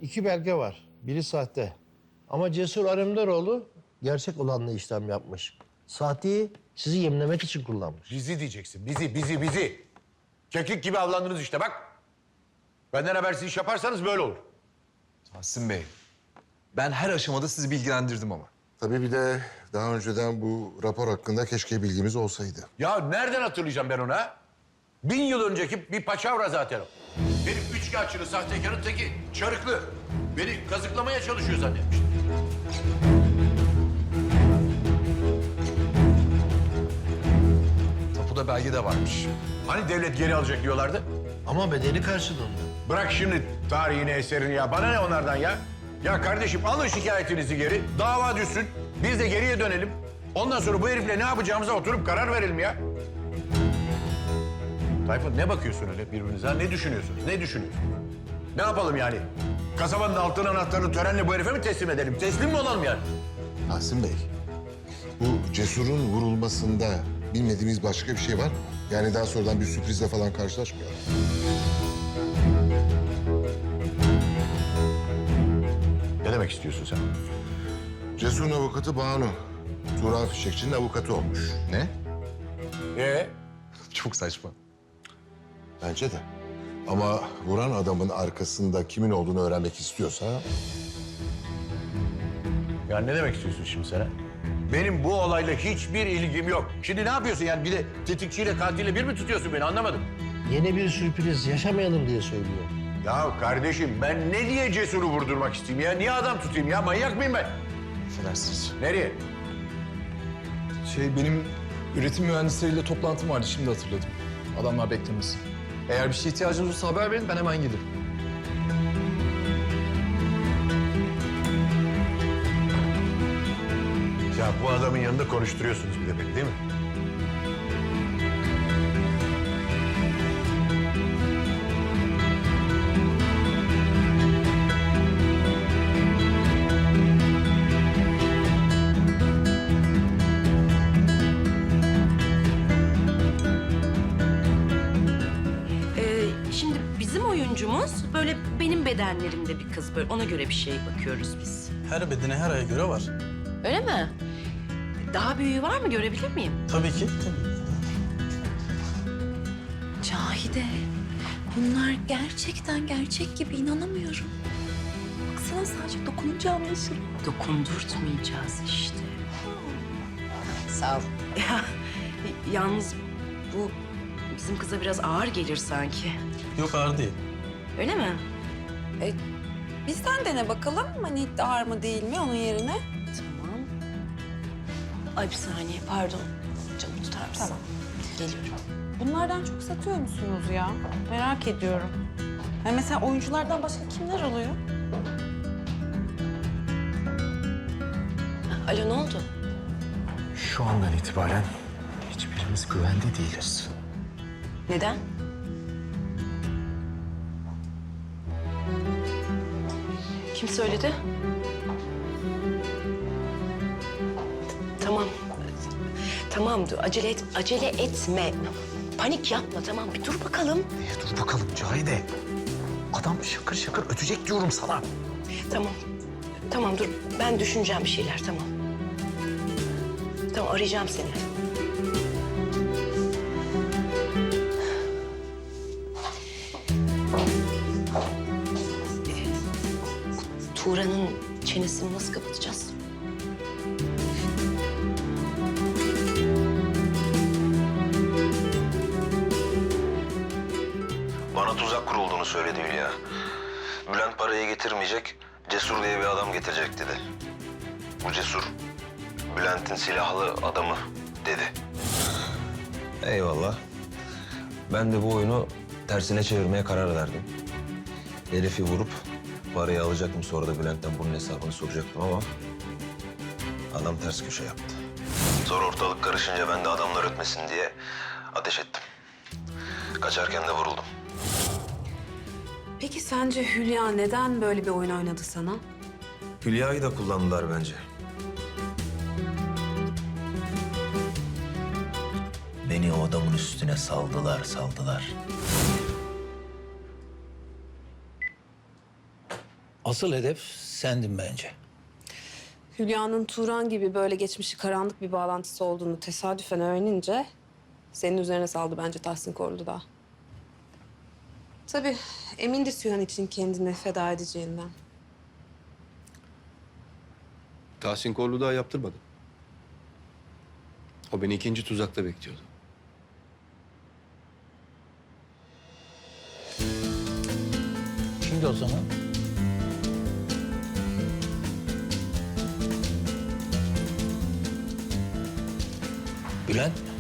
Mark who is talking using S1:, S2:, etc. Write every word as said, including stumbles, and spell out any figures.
S1: iki belge var. Biri sahte. Ama Cesur Alemdaroğlu gerçek olanla işlem yapmış. Sahteyi sizi yemlemek için kullanmış.
S2: Bizi diyeceksin. Bizi, bizi, bizi. Keklik gibi avlandınız işte bak. Benden habersiz iş yaparsanız böyle olur.
S3: Tahsin Bey, ben her aşamada sizi bilgilendirdim ama.
S4: Tabii bir de daha önceden bu rapor hakkında keşke bilgimiz olsaydı.
S2: Ya nereden hatırlayacağım ben onu ha? Bin yıl önceki bir paçavra zaten o. Benim üçkağıtçının, sahtekarın teki çarıklı. Beni kazıklamaya çalışıyor zannetmiş.
S3: Tapuda belge de varmış.
S2: Hani devlet geri alacak diyorlardı?
S1: Ama bedeli karşılığında.
S2: Bırak şimdi tarihini, eserini ya. Bana ne onlardan ya? Ya kardeşim alın şikayetinizi geri. Dava düşsün. Biz de geriye dönelim. Ondan sonra bu herifle ne yapacağımıza oturup karar verelim ya. Tayfun ne bakıyorsun öyle birbirinize? Ha? Ne düşünüyorsunuz? Ne düşünüyorsunuz? Ne yapalım yani? Kasabanın altın anahtarını törenle bu herife mi teslim edelim? Teslim mi olalım yani?
S4: Tahsin Bey, bu Cesur'un vurulmasında bilmediğimiz başka bir şey var mı? Yani daha sonradan bir sürprizle falan karşılaşmıyor.
S2: Ne demek istiyorsun sen?
S4: Cesur'un avukatı Banu, Turan Fişekçi'nin avukatı olmuş.
S3: Ne?
S2: Ee?
S3: Çok saçma.
S4: Bence de. Ama vuran adamın arkasında kimin olduğunu öğrenmek istiyorsa...
S2: Ya ne demek istiyorsun şimdi sen? ha? Benim bu olayla hiçbir ilgim yok. Şimdi ne yapıyorsun yani? Bir de tetikçiyle katille bir mi tutuyorsun beni anlamadım.
S1: Yeni bir sürpriz yaşamayalım diye söylüyor.
S2: Ya kardeşim ben ne diye Cesur'u vurdurmak isteyeyim ya? Niye adam tutayım ya? Manyak mıyım ben?
S3: Affedersiniz.
S2: Nereye?
S3: Şey, benim üretim mühendisleriyle toplantım vardı, şimdi hatırladım. Adamlar beklemesin. Eğer bir şeye ihtiyacınız olursa haber verin, ben hemen gelirim.
S2: Ya bu adamın yanında konuşturuyorsunuz bir de beni değil mi?
S5: Ee, şimdi bizim oyuncumuz böyle benim bedenlerimde bir kız, böyle ona göre bir şey bakıyoruz biz.
S6: Her bedene her aya göre var.
S5: Öyle mi? Daha büyüğü var mı, görebilir miyim?
S6: Tabii ki. Tabii.
S7: Cahide, bunlar gerçekten gerçek gibi, inanamıyorum. Baksana, sadece dokununca anlaşılır.
S5: Dokundurtmayacağız işte. Sağ ol. Ya, yalnız bu bizim kıza biraz ağır gelir sanki.
S6: Yok ağır değil.
S5: Öyle mi?
S7: E, bizden dene bakalım, hani ağır mı değil mi onun yerine.
S5: Tamam. Ay bir saniye, pardon. Canım tutar mısın?
S7: Tamam.
S5: Geliyorum.
S7: Bunlardan çok satıyor musunuz ya? Merak ediyorum. Yani mesela oyunculardan başka kimler oluyor?
S5: Alo, ne oldu?
S8: Şu andan itibaren hiçbirimiz güvende değiliz.
S5: Neden? Kim söyledi? Tamam. Tamam, dur. Acele et, acele etme. Panik yapma, tamam. Bir dur bakalım.
S8: Niye dur bakalım Cahide? Adam şakır şakır ötecek diyorum sana.
S5: Tamam. Tamam, dur. Ben düşüneceğim bir şeyler, tamam. Tamam, arayacağım seni. Ee, Tuğra'nın çenesini nasıl kapatacağız?
S9: Bana tuzak kurulduğunu söyledi Hülya. Bülent parayı getirmeyecek, Cesur diye bir adam getirecek dedi. Bu Cesur, Bülent'in silahlı adamı dedi. Eyvallah. Ben de bu oyunu tersine çevirmeye karar verdim. Herifi vurup parayı alacaktım, sonra da Bülent'ten bunun hesabını soracaktım ama adam ters köşe yaptı. Sonra ortalık karışınca ben de adamlar ötmesin diye ateş ettim. Kaçarken de vuruldum.
S7: Peki sence Hülya neden böyle bir oyun oynadı sana?
S9: Hülya'yı da kullandılar bence.
S8: Beni o adamın üstüne saldılar, saldılar.
S10: Asıl hedef sendin bence.
S7: Hülya'nın Turan gibi böyle geçmişi karanlık bir bağlantısı olduğunu tesadüfen öğrenince senin üzerine saldı bence Tahsin Korlu da. Tabii emindi Sühan için kendini feda edeceğinden.
S11: Tahsin Korlu daha yaptırmadı. O beni ikinci tuzakta bekliyordu.
S10: Şimdi o zaman Bülent